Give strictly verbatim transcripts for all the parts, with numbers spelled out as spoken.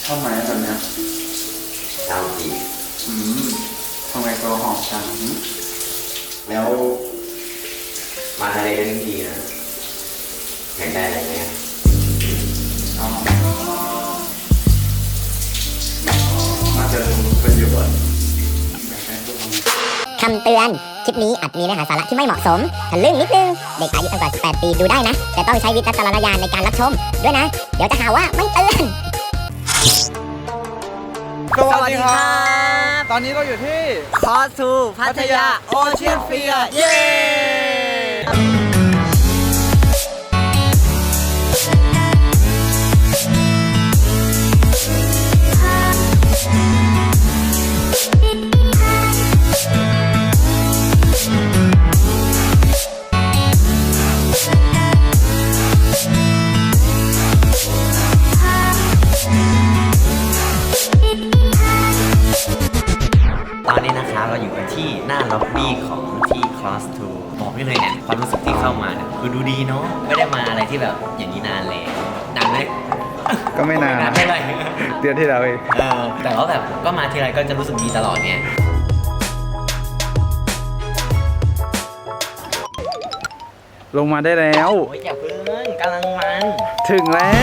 อบไหมแบบเนี้ยชาวจีอืมทำไมตัวหอมจังแล้วมาอะไรกันดีนะอยากได้อะไรไหมอ๋อมาเจอเป็นอยู่บ่อยคำเตือน คลิปนี้อาจมีเนื้อหาสาระที่ไม่เหมาะสมทะลึ่งนิดนึง เด็กอายุต่ำกว่าสิบแปดปีดูได้นะ แต่ต้องใช้วิจารณญาณในการรับชมด้วยนะ เดี๋ยวจะหาว่าไม่เตือนสวัสดีครับ ตอนนี้เราอยู่ที่คอสูพัทยาโอเชียนเฟียร์เย้ตอนนี้นะคะเราอยู่กันที่หน้าล็อบบี้ของที่ Cross ทู บอกได้เลยเนี่ยความรู้สึกที่เข้ามาเนี่ยคือดูดีเนาะไม่ได้มาอะไรที่แบบอย่างนี้นานแล้วนานไหมก็ไม่นานไม่ไรเดือนที่แล้วเองเออแต่ว่าแบบก็มาทีไรก็จะรู้สึกดีตลอดไงลงมาได้แล้วโอ้ยอย่าเพิ่งกำลังมันถึงแล้ว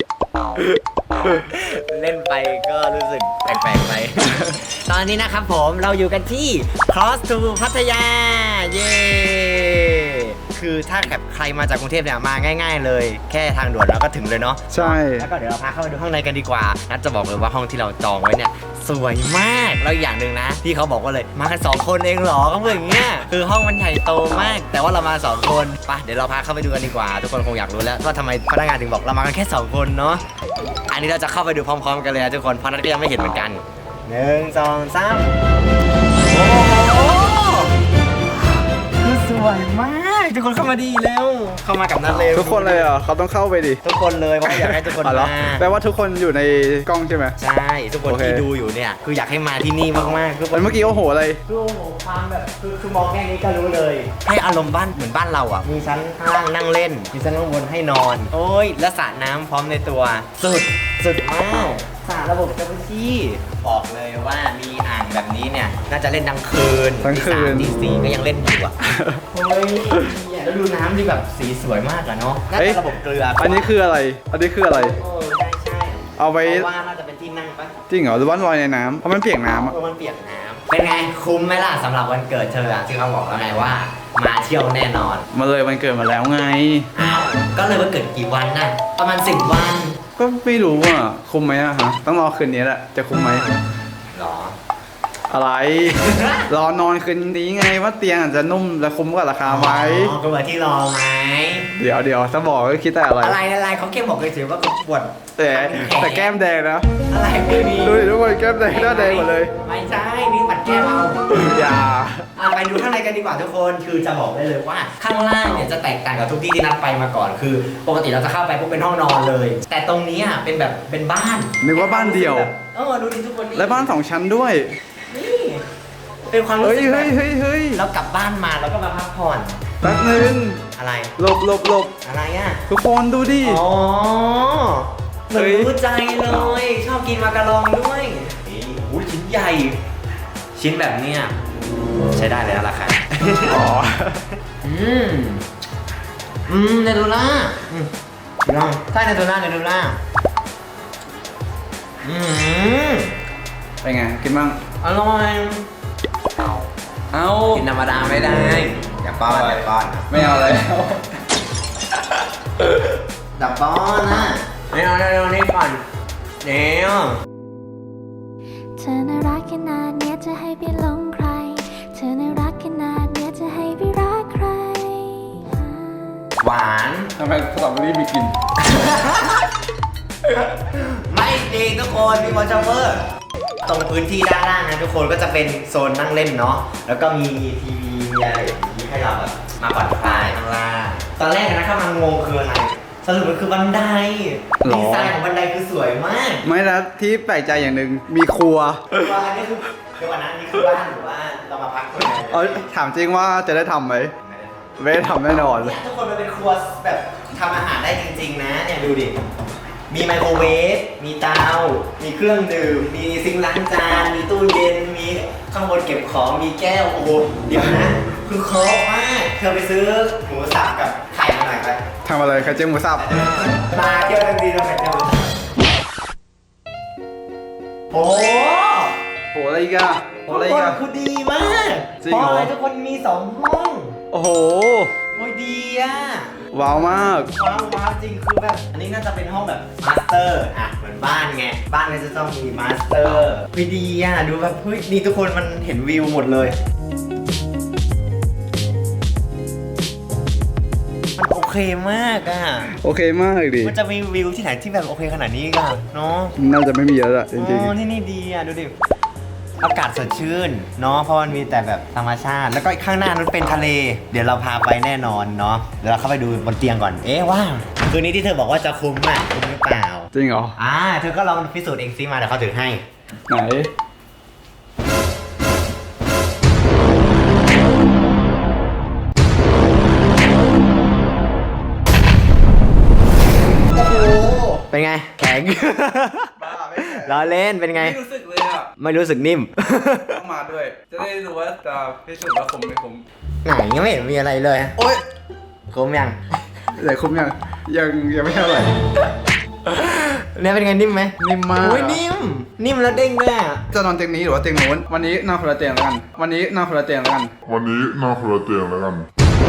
เล่นไปก็รู้สึกแปลกๆไป ตอนนี้นะครับผมเราอยู่กันที่ Cross ทู พัทยาเย้คือถ้าแบบใครมาจากกรุงเทพเนี่ยมาง่ายๆเลยแค่ทางด่วนเราก็ถึงเลยเนาะใช่แล้วก็เดี๋ยวเราพาเข้าไปดูข้างในกันดีกว่านัดจะบอกเลยว่าห้องที่เราจองไว้เนี่ยสวยมากแล้วอย่างหนึ่งนะที่เขาบอกว่าเลยมากันสองคนเองเหรอก็เหมือนอย่างเงี้ยคือห้องมันใหญ่โตมากแต่ว่าเรามาสองคนไปเดี๋ยวเราพาเข้าไปดูกันดีกว่าทุกคนคงอยากรู้แล้วว่าทำไมพนักงานถึงบอกเรามากันแค่สองคนเนาะอันนี้เราจะเข้าไปดูพร้อมๆกันเลยนะทุกคนเพราะนัดก็ยังไม่เห็นเหมือนกันหนึ่งสองสามโอ้โหคือสวยมากทุกคนเข้ามาดีแล้วเข้ามากับนัดเลยทุกคนเลยเหรอเขาต้องเข้าไปดิทุกคนเลยเพราะอยากให้ทุกคนมาแปลว่าทุกคนอยู่ในกล้องใช่ไหมใช่ทุกคนที่ดูอยู่เนี่ยคืออยากให้มาที่นี่มากๆคือเมื่อกี้โอ้โหอะไรคือโอ้โหความแบบคือคือมองแค่นี้ก็รู้เลยให้อารมณ์บ้านเหมือนบ้านเราอ่ะมีชั้นข้างล่างนั่งเล่นมีชั้นข้างบนให้นอนโอ้ยและสระน้ำพร้อมในตัวสุดสุดมากสระระบบจักรุชี่บอกเลยว่ามีอ่างแบบนี้เนี่ยน่าจะเล่นทั้งคืนทั้งคืนตีสี่ก็ยังเล่นอยู่อ่ะโอ้ยแล้วดูน้ำที่แบบสีสวยมากอะเนาะน่าจะระบบเกลืออันนี้คืออะไรอันนี้คืออะไรโอ้ใช่ใช่เอาไว้ว่าน่าจะเป็นที่นั่งปะจริงเหรอหรือว่าลอยในน้ำเพราะมันเปียกน้ำอ่ะมันเปียกน้ำเป็นไงคุ้มไหมล่ะสำหรับวันเกิดเธอที่เขาบอกแล้วไงว่ามาเที่ยวแน่นอนมาเลยวันเกิดมาแล้วไงอ้าวก็เลยวันเกิดกี่วันน่ะประมาณสิบวันก็ไม่รู้ว่าคุ้มไหมอะฮะต้องรอคืนนี้แหละจะคุ้มไหมหรออะไรรอนอนคืนนี้ไงว่าเตียงอาจจะนุ่มและคุ้มกว่าราคาไหมก็เหมือนที่รอไหมเดี๋ยวเดี๋ยวถ้าบอกก็คิดแต่อะไรอะไรอะไรเขาแค่บอกเลยถือว่าเขาปวดแต่แต่แก้มแดงนะอะไรไม่มีดูดิทุกคนแก้มแดงหน้าแดงหมดเลยไม่ใช่นี่ปัดแก้มเอาอย่าไปดูข้างในกันดีกว่าทุกคนคือจะบอกได้เลยว่าข้างล่างเนี่ยจะแตกต่างกับทุกที่ที่นัดไปมาก่อนคือปกติเราจะเข้าไปพวกเป็นห้องนอนเลยแต่ตรงนี้อ่ะเป็นแบบเป็นบ้านนึกว่าบ้านเดียวเออดูดิทุกคนและบ้านสองชั้นด้วยนี่เป็นความรู้สึกเฮ้ยเฮ้ยเฮ้ยเรากลับบ้านมาแล้วก็มาพักผ่อนแป๊บนึงอะไรหลบหลบหลบอะไรอ่ะทุกคนดูดิอ๋อเหมือนรู้ใจเลยชอบกินมากะลองด้วยโอ้ยชิ้นใหญ่ชิ้นแบบเนี้ยใช้ได้เลยนะราคาอ๋ออืมอืมเนตูล่าอืมลองใช่เนตูล่าเนตูล่าอืมเป็นไงกินบ้างอร่อยเอากินธรรมดาไม่ได้อย่าป้อนอย่าป้อนไม่เอาเลยดับป้อนนะไม่เอาเร็วๆนี่ก่อนเดี๋ยวเธอน่ารักขนาดเนี้ยจะให้พี่หลงใครเธอน่ารักขนาดเนี้ยจะให้พี่รักใครหวานทำไมสตรอเบอรี่มีกลิ่นไม่จริงทุกคนมีมอชเวอร์ตรงพื้นที่ด้านล่างนะทุกคนก็จะเป็นโซนนั่งเล่นเนาะแล้วก็มีทีวีมีอะไรอย่างนี้ให้เราแบบมาผ่อนคลายข้างล่างตอนแรกนะข้างงงคืออะไรสรุปมันคือบันไดดีไซน์ของบันไดคือสวยมากไม่แล้วที่แปลกใจอย่างหนึ่งมีครัวว่าอันนี้คือเดี๋ยววันนั้นนี่คือบ้านหรือว่าเรามาพักคนเออถามจริงว่าจะได้ทำไหมไม่ได้ทำแน่นอนเนี่ยทุกคนมันเป็นครัวแบบทำอาหารได้จริงๆนะเนี่ยดูดิมีไมโครเวฟมีเตามีเครื่องดื่มมีซิงค์ล้างจานมีตู้เย็นมีข้างบนเก็บของมีแก้วโอ้โหเดี๋ยวนะคือครบมากเธอไปซื้อหมูสับกับไข่มาหน่อยไปทำอะไรไข่เจียวหมูสับมาเที่ยวทั้งทีเราไปเที่ยวโอ้โหอะไรอีกอะโหอะไรอีกอะคือดีมากจริงเพเหรอราะอะไรทุกคนมีสองห้องโอ้โหโอ้ยดีอ่ะว้าวมากว้าวว้าวจริงคือแบบอันนี้น่าจะเป็นห้องแบบมาสเตอร์อ่ะเหมือนบ้านไงบ้านก็จะต้องมีมาสเตอร์วิดีอ่ะดูแบบเฮ้ยนี่ทุกคนมันเห็นวิวหมดเลยมันโอเคมากอ่ะโอเคมากดิมันจะมีวิวที่ไหนที่แบบโอเคขนาดนี้กันเนาะน่าจะไม่มีแล้วล่ะจริงอ๋อที่นี่ดีอ่ะดูดิอากาศสดชื่นเนาะเพราะมันมีแต่แบบธรรมชาติแล้วก็ข้างหน้านั้นเป็นทะเล เดี๋ยวเราพาไปแน่นอนเนาะเดี๋ยวเราเข้าไปดูบนเตียงก่อนเอ๊ะว่าคืนนี้ที่เธอบอกว่าจะคุ้มอ่ะคุ้มหรือเปล่าๆ จริงเหรออ่าเธอก็ลองพิสูจน์เองซิมาเดี๋ยวเขาถือให้ไหนเป็นไงแข็งบ้าไม่ล้อเล่นเป็นไงไม่รู้สึกเลยอ่ะไม่รู้สึกนิ่มต้องมาด้วย จะได้รู้ว่าจะพิสูจน์ว่าคุ้มไม่คุ้มไหนยังไม่เห็นมีอะไรเลยโอ๊ยคุ้มยังแต่คุ้มยังยังยังไม่เท่าไหร่เนี่ยเป็นไงนิ่มไหมนิ่มมากโอ้ยนิ่มนิ่มแล้วเด้งด้วยอะจะนอนเตียงนี้หรือว่าเตียงโน้นวันนี้นอนคนละเตียงแล้วกัน วันนี้นอนคนละเตียงแล้วกันวันนี้นอนคนละเตียงแล้วกัน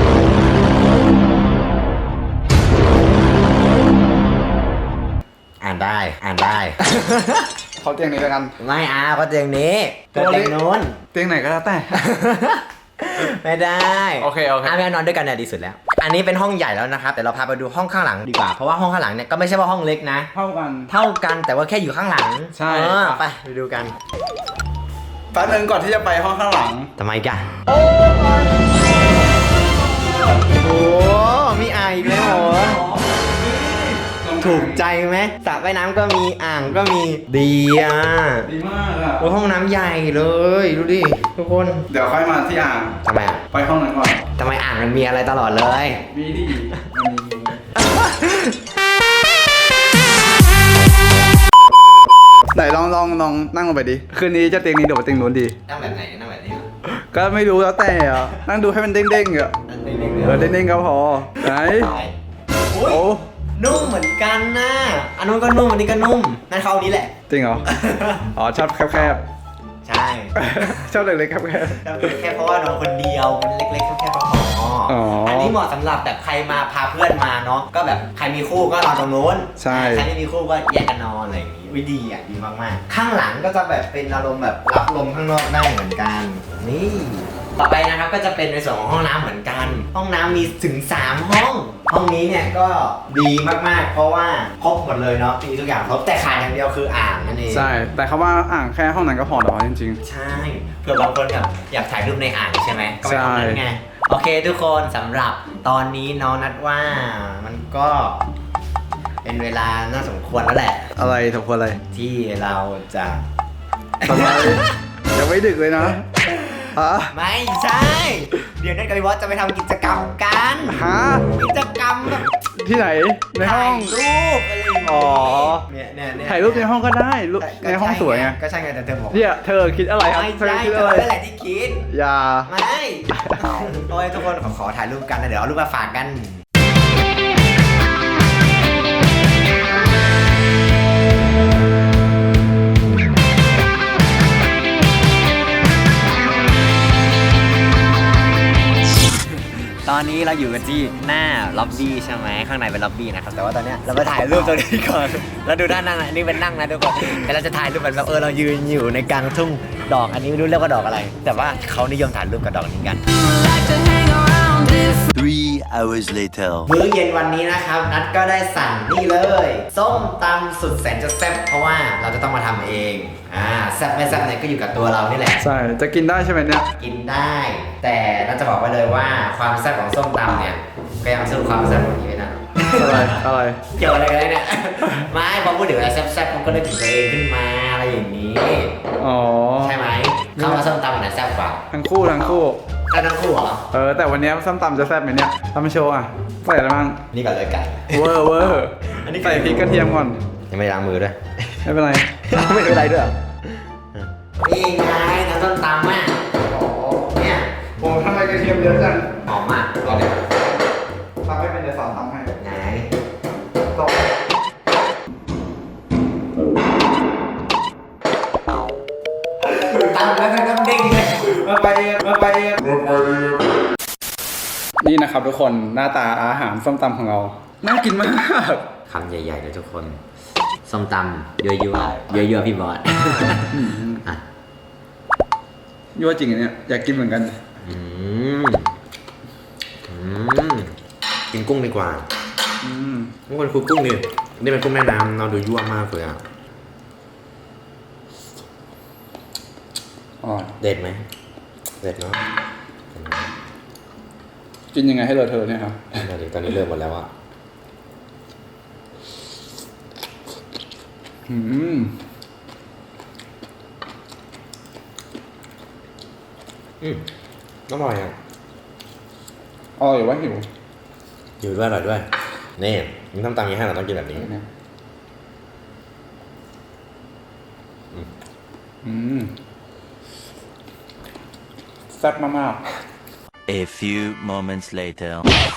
อ่านได้อ่านได้เขาเตียงนี้แล้วกันไม่เอาก็เตียงนี้เตียงนู้นเตียงไหนก็แล้วแต่ไม่ได้โอเคโอเคอ่ะแม่นอนด้วยกันเนี่ยดีสุดแล้ว อันนี้เป็นห้องใหญ่แล้วนะครับแต่เราพาไปดูห้องข้างหลังดีกว่าเพราะว่าห้องข้างหลังเนี่ยก็ไม่ใช่ว่าห้องเล็กนะเท่ากันเท่ากันแต่ว่าแค่อยู่ข้างหลังใช่เออไปไปดูกันแป๊บนึงก่อนที่จะไปห้องข้างหลังทำไมกันโอ้มีอ่างอีกแล้วเหรอถูกใจไหมสระว่ายน้ำก็มีอ่างก็มีดีอ่ะดีมากอ่ะโอ้ห้องน้ำใหญ่เลยดูดิทุกคนเดี๋ยวค่อยมาที่อ่างทำไมอ่ะไปห้องนั้นก่อนทำไมอ่างมันมีอะไรตลอดเลยมีดีมันมีไหนลองลองลองนั่งลงไปดิ คืนนี้จะเตียงนี้หรือว่าเตียงนู้นดีนั่งแบบไหนนั่งแบบนี้ก็ไม่รู้แล้วแต่อ่ะ นั่งดูให้มันเด้งๆอ่ะนั่งเด็กๆเออเด้งๆก็พอ ไหนอุ้ยโอ้นุ่มเหมือนกันนะอันนู้นก็นุ่มอันนี้ก็นุ่มนั่นเขาอันนี้แหละจริงเหรอ อ๋อชอบแคบใช่ๆ ชอบเล็กๆแคบแต่แค่เพราะว่าน้องคนเดียวมันเล็กๆแค่พออ๋ออัอันนี้เหมาะสำหรับแบบใครมาพาเพื่อนมาเนาะก็แบบใครมีคู่ก็นอนตรงนู้นใช่ใครไม่มีคู่ก็แยกกันนอนอะไรอย่างงี้วิดีอ่ะดีมากๆข้างหลังก็จะแบบเป็นอารมณ์แบบรับลมข้างนอกได้เหมือนกันนี่ต่อไปนะครับก็จะเป็นในส่วนของห้องน้ำเหมือนกัน ห้องน้ำมีถึงสามห้อง ห้องนี้เนี่ยก็ดีมากๆ เพราะว่าครบหมดเลยเนาะมีทุกอย่างครบแต่ขาดอย่างเดียวคืออ่างนั่นเองๆ ใช่ แต่เขาว่าอ่างแค่ห้องนั้นก็พอแล้วจริงใช่เผื่อบางคนแบบอยากถ่ายรูปในอ่างใช่ไหมก็ไปห้องนั้นไงโอเคทุกคนสำหรับตอนนี้น้องนัดว่ามันก็เป็นเวลาน่าสมควรแล้วแหละๆ อะไรถูกคนอะไรที่เราจะทำไมยังไม่ดึกเลยนะฮะไม่ใช่ เดี๋ยวนัดกับพี่บอสจะไปทำกิจกรรมกันฮะกิจกรรมแบบที่ไหน ในห้ถ่าองยรูปอะไรอย่างอ๋เงี้อยเนี่ยเนี่ยเนี่ยถ่ายรูปในห้องก็ได้รูปในห้องสวยไงก็ใช่ไงแต่เธอบอกเนี่ยเธอคิดอะไรครับไม่เธอใช่คิดเธอะไรอนั่นแหละที่คิดอย่าไม่ โอ้ยทุกคนขอขอถ่ายรูปกันนะเดี๋ยวเอารูปมาฝากกัน ตอนนี้เราอยู่กันที่หน้าล็อบบี้ใช่ไหมข้างในเป็นล็อบบี้นะครับแต่ว่าตอนเนี้ยเราไปถ่ายรูปตรงนี้ก่อนแล้วดูด้านหน้านะนี่เป็นนั่งนะทุกคนแต่เราจะถ่ายรูปแบบเออเรายืนอยู่ในกลางทุ่งดอกอันนี้ไม่รู้เรียกว่าดอกอะไร แต่ว่าเขานิยมถ่ายรูปกับดอกนี้กัน Three hours later. มื้อเย็นวันนี้นะครับนัดก็ได้สั่งนี่เลยส้มตำสุดแสนจะแซ่บเพราะว่าเราจะต้องมาทำเองอ่าแซ่บไม่แซ่บเนี่ยก็อยู่กับตัวเรานี่แหละใช่ จะกินได้ใช่ไหมเนี่ยกินได้ แต่น่าจะบอกไว้เลยว่าความแซ่บของส้มตำเนี่ยก็ยังสู้ความแซ่บของนี้ไม่ได้อะไร อะไรเกี่ยวอะไรกันเนี่ย ไม่พอพูดถึงอะไรแซ่บๆมันก็ได้ถึงตัวเองขึ้นมาอะไรอย่างนี้อ๋อใช่ไหมข้าวมาส้มตำอันไหนแซ่บกว่าทั้งคู่ทั้งคู่แซ่บทั้งคู่เหรอเออ แต่วันนี้ส้มตำจะแซ่บไหมเนี่ยทำมาโชว์อ่ะใส่อะไรบ้างนี่ก่อนเลยไก่เวอร์เวอร์อันนี้ใส่พริกกระเทียมก่อนยังไม่ได้ล้างมือด้วยไม่เป็นไรไม่เป็นไรด้วยเหรอนี่ไงน้ำส้มตำอ่ะเนี่ยโอ้ทำไมกระเทียมเยอะจังหอมมากรอเดี๋ยวทำให้เป็นเดี๋ยวสอนทำให้ไหนตกตำแล้วน้ำเด้งเลยมาไปเองมาไปเองนี่นะครับทุกคนหน้าตาอาหารส้มตำของเรา น่ากินมากคำใหญ่ๆเลยทุกคน ส้มตำยั่วยั่วยั่วยั่วๆพี่บอสอ่ะยั่วจริงอันเนี่ยอยากกินเหมือนกันอืมอืมกินกุ้งดีกว่าอืมทุกคนคือกุ้งนี่นี่เป็นกุ้งแม่น้ำเราดูยั่วมากเลยอ่ะอ๋อเด็ดไหมเด็ดเนาะกินยังไงให้เลอะเทอะเนี่ยครับตอนนี้เริ่มหมดแล้วอ่ะอืมอืมอร่อยอ่ะอร่อยว่าหิวอยู่ด้วยอร่อยด้วยนี่มันต้องตำอย่างนี้ให้เราต้องกินแบบนี้อืมแซ่บมาก A few moments later.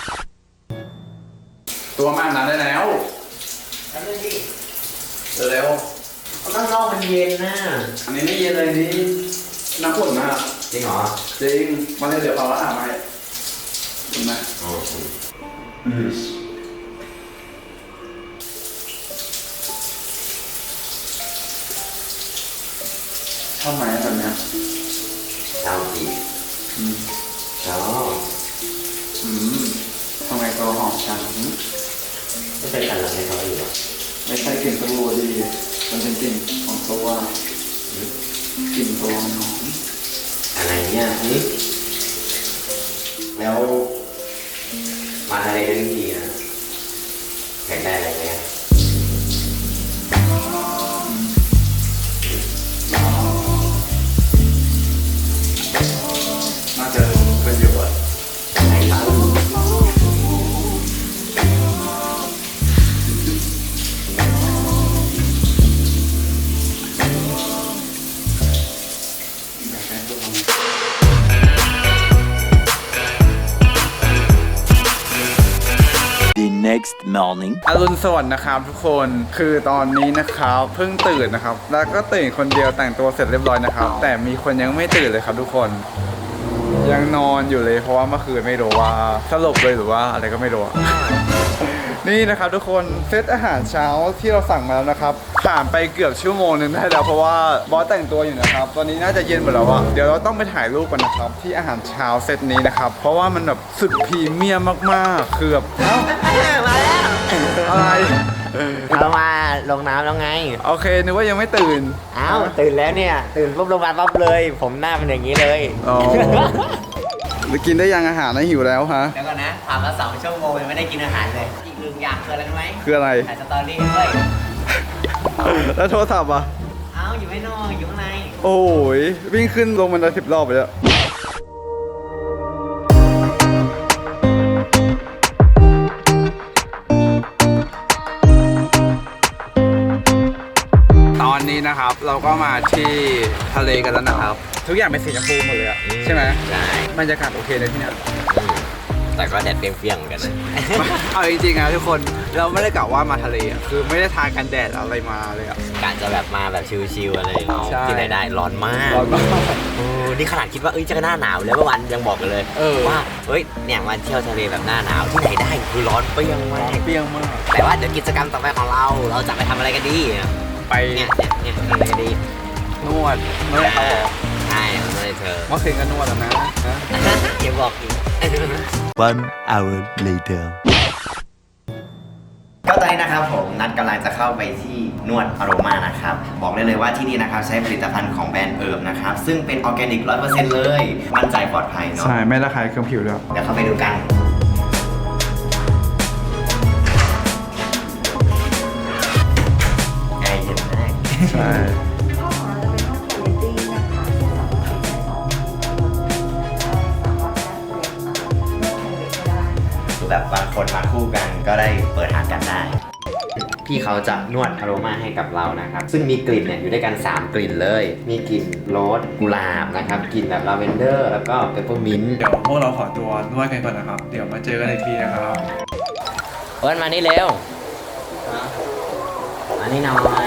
ๆตัวมาอาบน้ำได้แล้วแล้วนึงดิเร็วข้างนอกมันเย็นนะอันนี้ไม่เย็นเลยนี่น้ำข้นมากจริงเหรอจริงมาเลยเดี๋ยวเอาละอาบมาให้เห็นไหมอ๋อชอบไหมแบบเนี้ยชาวจีอืมชอบอืมทำไมตัวหอมจังไม่ใช่กันหลังให้เขาอยู่หรอไม่ใช่กลิ่นตัวดีมันเป็นกลิ่นของตัวกลิ่นตัวหอมอะไรเนี่ยนี่แล้วมาทะเลกันทั้งทีนะแข่งได้อะไรไหมน่าจะเป็นประโยชน์ไหนครับอยากให้ตัวหอม The next morning. อรุณสวัสดิ์นะครับทุกคนคือตอนนี้นะครับเพิ่งตื่นนะครับ แล้วก็ตื่นคนเดียวแต่งตัวเสร็จเรียบร้อยนะครับ แต่มีคนยังไม่ตื่นเลยครับทุกคนยังนอนอยู่เลยเพราะว่าเมื่อคืนไม่รู้ว่าสลบเลยหรือว่าอะไรก็ไม่รู้อะ นี่นะครับทุกคนเซตอาหารเช้าที่เราสั่งมาแล้วนะครับผ่านไปเกือบชั่วโมงนึงได้แล้วเพราะว่าบอสแต่งตัวอยู่นะครับตอนนี้น่าจะเย็นหมดแล้วอะเดี๋ยวเราต้องไปถ่ายรูปกันนะครับที่อาหารเช้าเซตนี้นะครับเพราะว่ามันแบบสุดพรีเมียมมากๆคือแบบเอ้ามาแล้วอะไรเอามาลงน้ำแล้วไงโอเคนึกว่ายังไม่ตื่นเอ้าตื่นแล้วเนี่ย ตื่นปุ๊บลงมาปั๊บเลย ผมหน้าเป็นอย่างนี้เลยอ๋อหรือกินได้ยังอาหารนะหิวแล้วฮะเดี๋ยวก่อนนะผ่านมาสองชั่วโมงยังไม่ได้กินอาหารเลย อีกหนึ่งอย่างคืออะไรรู้ไหมคืออะไรถ่ายสตอรี่ด้วยแล้วโทรศัพท์อ่ะเอ้าอยู่ไม่นอกอยู่ข้างในโอ้ยวิ่งขึ้นลงมันได้สิบรอบไปแล้วตอนนี้นะครับเราก็มาที่ทะเลกันแล้วนะครับ ทุกอย่างเป็นสีชมพูหมดเลยอะใช่ไหมใช่บรรยากาศโอเคเลยที่เนี่ยอืมแต่ก็แดดเปรี้ยงๆเหมือนกันนะเอาจริงๆนะทุกคนเราไม่ได้กล่าวว่ามาทะเลอะคือไม่ได้ทากันแดดอะไรมาเลยอะกะจะแบบมาแบบชิลๆอะไรอย่างเงี้ยใช่ที่ไหนได้ร้อนมากร้อนมากโอ้นี่ขนาดคิดว่าเอ้ยจะหน้าหนาวแล้วเมื่อวานยังบอกกันเลยเออว่าเฮ้ยเนี่ยมาเที่ยวทะเลแบบหน้าหนาวที่ไหนได้คือร้อนเปรี้ยงมากเปรี้ยงมากแต่ว่าเดี๋ยวกิจกรรมต่อไปของเราเราจะไปทำอะไรกันดีไปเนี่ยเนี่ยเนี่ยทำอะไรกันดีนวดนวดเขาออกใช่ทำอะไรเธอเมื่อคืนก็นวดแล้วนะนะอย่าบอกอีก One hour later. ก็ตอนนี้นะครับผมนัดกำลังจะเข้าไปที่นวดอโรมานะครับบอกได้เลยว่าที่นี่นะครับใช้ผลิตภัณฑ์ของแบรนด์เอิร์บนะครับซึ่งเป็นออร์แกนิกร้อยเปอร์เซ็นต์เลยมั่นใจปลอดภัยเนาะใช่ไม่ระคายเคืองผิวด้วยเดี๋ยวเข้าไปดูกันแอร์เย็นมากใช่คือแบบบางคนมาคู่กันก็ได้เปิดหากันได้พี่เขาจะนวดอโรมาให้กับเรานะครับซึ่งมีกลิ่นเนี่ยอยู่ด้วยกันสามกลิ่นเลยมีกลิ่นโรสกุหลาบนะครับกลิ่นแบบลาเวนเดอร์แล้วก็เปปเปอร์มินต์เดี๋ยวพวกเราขอตัวนวดกันก่อนนะครับ เดี๋ยวมาเจอกันอีกทีนะครับเอิร์นมานี่เร็วมานี่หน่อย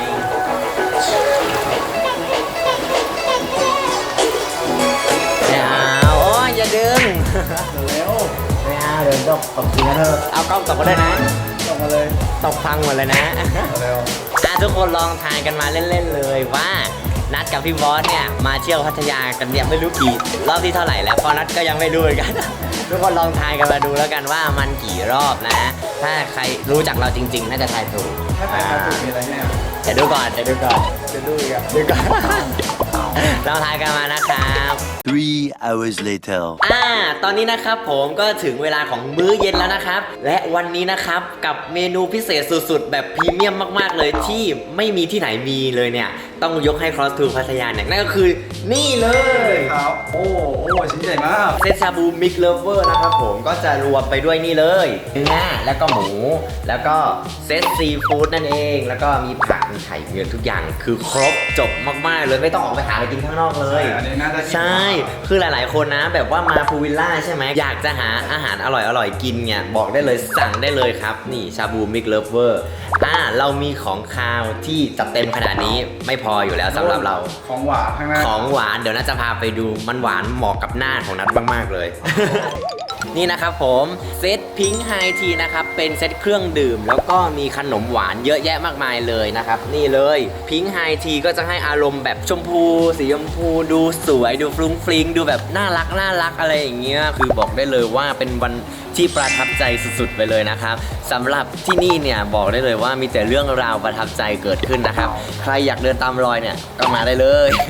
ไม่เอาโอ้ยอย่าดึงเร็วไม่เอาเดี๋ยวตกตกเสียเธอเอากล้องตกก็ได้นะตกมาเลยตกพังหมดเลยนะเร็วอ่ะทุกคนลองทายกันมาเล่นๆเลยว่านัดกับพี่บอสเนี่ยมาเที่ยวพัทยากันเนี่ยไม่รู้กี่รอบที่เท่าไหร่แล้วเพราะนัดก็ยังไม่รู้เหมือนกัน ทุกคนลองทายกันมาดูแล้วกันว่ามันกี่รอบนะ ถ้าใครรู้จักเราจริงๆน่าจะทายถูกถ้าใครทายถูกมีอะไรให้อ่ะเดี๋ยวดูก่อนเดี๋ยวดูก่อนเดี๋ยวดูอีกอ่ะดูก่อน เราทายกันมานะครับ Three hours later. อ่า ตอนนี้นะครับผมก็ถึงเวลาของมื้อเย็นแล้วนะครับ และวันนี้นะครับกับเมนูพิเศษสุดๆ แบบพรีเมียมมากๆเลยที่ไม่มีที่ไหนมีเลยเนี่ย ต้องยกให้ Cross to พัทยาเนี่ยนั่นก็คือนี่เลยครับ โอ้โอ้ชิ้นใหญ่มากเซตชาบูมิกเลเวอร์นะครับผมก็จะรวมไปด้วยนี่เลยเนื้อแล้วก็หมู แล้วก็เซตซีฟู้ดนั่นเอง แล้วก็มีผักมีไข่มีทุกอย่างคือครบจบมากๆเลยไม่ต้องออกไปหาอะไรกินข้างนอกเลยใช่อันนี้น่าจะใช่ คือหลายๆคนนะแบบว่ามาพูวิลล่าใช่ไหมอยากจะหาอาหารอร่อยๆกินเนี่ยบอกได้เลยสั่งได้เลยครับนี่ชาบูมิกเลเวอร์อ่าเรามีของคาวที่จัดเต็มขนาดนี้ไม่พออยู่แล้วสำหรับเราของหวานข้างหน้าของหวานเดี๋ยวน่าจะพาไปดูมันหวานเหมาะกับหน้าของนัทมากๆเลย นี่นะครับผมเซตพิงค์ไฮทีนะครับเป็นเซตเครื่องดื่ม แล้วก็มีขนมหวานเยอะแยะมากมายเลยนะครับนี่เลยพิงค์ไฮทีก็จะให้อารมณ์แบบชมพูสีชมพูดูสวยดูฟรุ้งฟริ้งดูแบบน่ารักน่ารักอะไรอย่างเงี้ยคือบอกได้เลยว่าเป็นวันที่ประทับใจสุดๆไปเลยนะครับสำหรับที่นี่เนี่ยบอกได้เลยว่ามีแต่เรื่องราวประทับใจเกิดขึ้นนะครับใครอยากเดินตามรอยเนี่ยก็มาได้เลย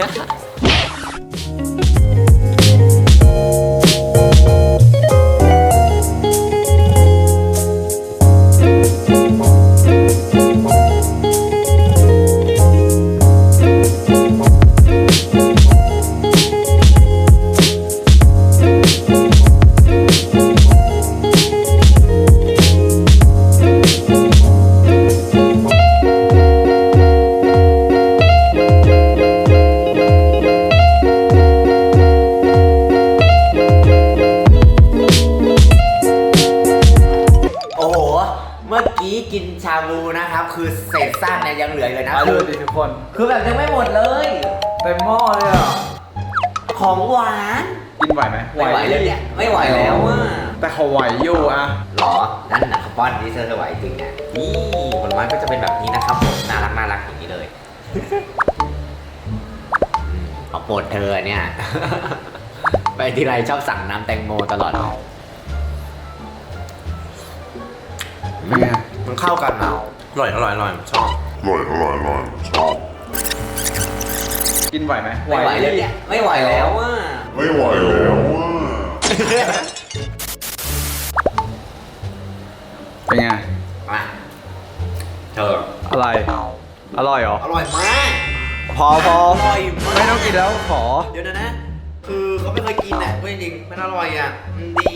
โอ้โห เมื่อกี้กินชาบูนะครับ คือเศษซากเนี่ยยังเหลืออยู่เลยนะมาคืดูอดิทุกคนคือแบบยังไม่หมดเลยเต็มหม้อเลยอ่ะของหวานกินไหวไหมไม่ไหวเลยเนี่ยไม่ไหวแล้วอ่ะแต่เขาไหวอยู่อ่ะหรอ นั่นนะป้อนนี่เธอจะไหวจริงเนี่ยนี่ผลไม้ก็จะเป็นแบบนี้นะครับผมน่ารักน่ารักอย่างนี้เลย อืมเอาโปรดเธอเนี่ย ไปทีไรชอบสั่งน้ำแตงโมตลอดเป็นไงมันเข้ากันนะอร่อยอร่อยอร่อยชอบอร่อยอร่อยอร่อยชอบกินไหวไหมไม่ไหวเลยเนี่ยไม่ไหวแล้วอ่ะไม่ไหวแล้วอ่ะเป็นไงมาเธออะไร อร่อยเหรออร่อยมากพอพออร่อยมากไม่ต้องกินแล้วขอเดี๋ยวนะนะ คือเขาไม่เคยกินอ่ะเว้ยจริงมันอร่อยอ่ะมันดี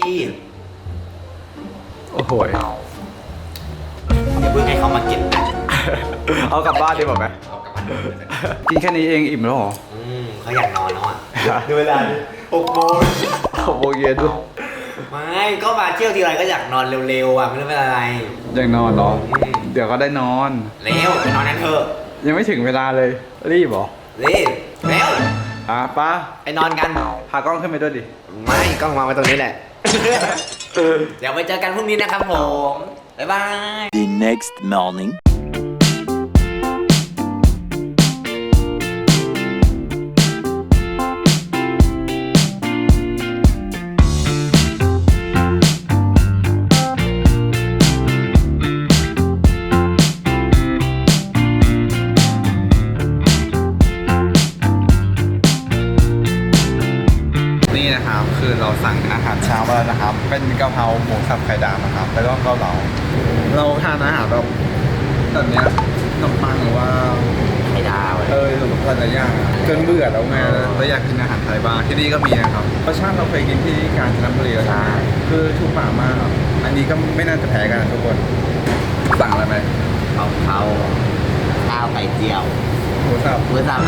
โอ้โหยอย่าเพิ่งให้เขามากินนะเอากลับบ้านดีกว่าไหมเอากลับบ้านเลยกินแค่นี้เองอิ่มแล้วเหรออืมเขาอยากนอนแล้วอ่ะดูเวลาดิหกโมงหกโมงเย็นด้วยไม่ก็มาเที่ยวทีไรก็อยากนอนเร็วๆอ่ะไม่รู้เป็นอะไรยังนอนเหรออืมเดี๋ยวก็ได้นอนเร็วไปนอนกันเถอะยังไม่ถึงเวลาเลย รีบเหรอเร็วเร็วอ่ะป้าไปนอนกันพากล้องขึ้นไปด้วยดิไม่กล้องวางไว้ตรงนี้แหละ เดี๋ยวไปเจอกันพรุ่งนี้นะครับผม บ๊ายบาย The next morning. นี่นะครับคือเราสั่งอาหารเช้ามาแล้วนะครับ เป็นกะเพราหมูสับไข่ดาวนะครับแล้วก็เกาเหลาเราทานอาหารแบบแบบเนี้ยขนมปังหรือว่าไข่ดาวเออหรืออะไรอย่างอะจนเบื่อแล้วไงเราอยากกินอาหารไทยบ้างที่นี่ก็มีนะครับรสชาติเราเคยกินที่กาญจนบุรีแล้วใช่คือถูกปากมากอันนี้ก็ไม่น่าจะแพ้กันนะทุกคนสั่งอะไรไหมเเขาเขาข้าวไข่เจียวหมูสับมือสับ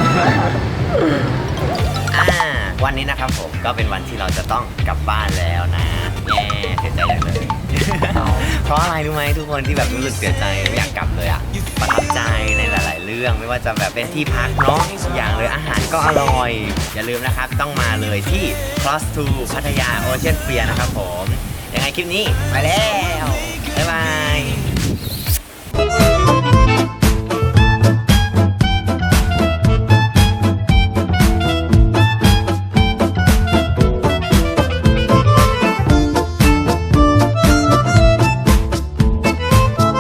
อ่าวันนี้นะครับผมก็เป็นวันที่เราจะต้องกลับบ้านแล้วนะแง่เสียใจจังเลย เพราะอะไรรู้ไหมทุกคนที่แบบรู้สึกเสียใจไม่อยากกลับเลยอะประทับใจในหลาย ๆ เรื่องไม่ว่าจะแบบเป็นที่พักเนาะอย่างเลยอาหารก็อร่อย อย่าลืมนะครับต้องมาเลยที่ Cross to พัทยา Ocean Pier นะครับผมยังไงคลิปนี้ไปแล้วบ๊ายบาย